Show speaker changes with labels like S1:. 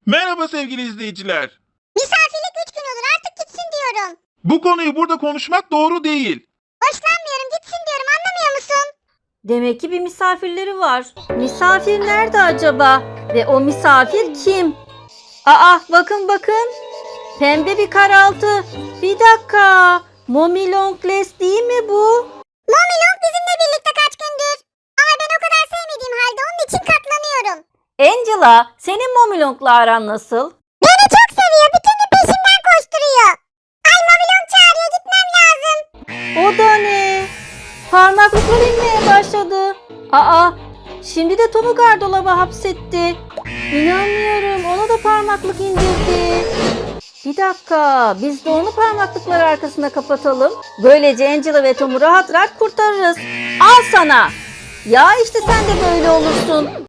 S1: Merhaba sevgili izleyiciler.
S2: Misafirlik 3 gün olur, artık gitsin diyorum.
S1: Bu konuyu burada konuşmak doğru değil.
S2: Hoşlanmıyorum, gitsin diyorum, anlamıyor musun?
S3: Demek ki bir misafirleri var. Misafir nerede acaba? Ve o misafir kim? Aa, bakın bakın. Pembe bir karaltı. Bir dakika. Mommy Longlegs değil mi bu?
S2: Mommy Long bizimle birlikte kaç gündür. Ama ben o kadar sevmediğim halde onun için katlanıyorum.
S3: Angela, senin Mommy Long'la aran nasıl?
S2: Beni çok seviyor, bütün gün peşimden koşturuyor. Ay Mommy Long çağırıyor, gitmem lazım.
S3: O da ne? Parmaklıklar inmeye başladı. Aa, şimdi de Tom'u gardolaba hapsetti. İnanmıyorum, ona da parmaklık indirdi. Bir dakika, biz de onu parmaklıklar arkasına kapatalım. Böylece Angela ve Tom'u rahat rahat kurtarırız. Al sana. Ya işte sen de böyle olursun.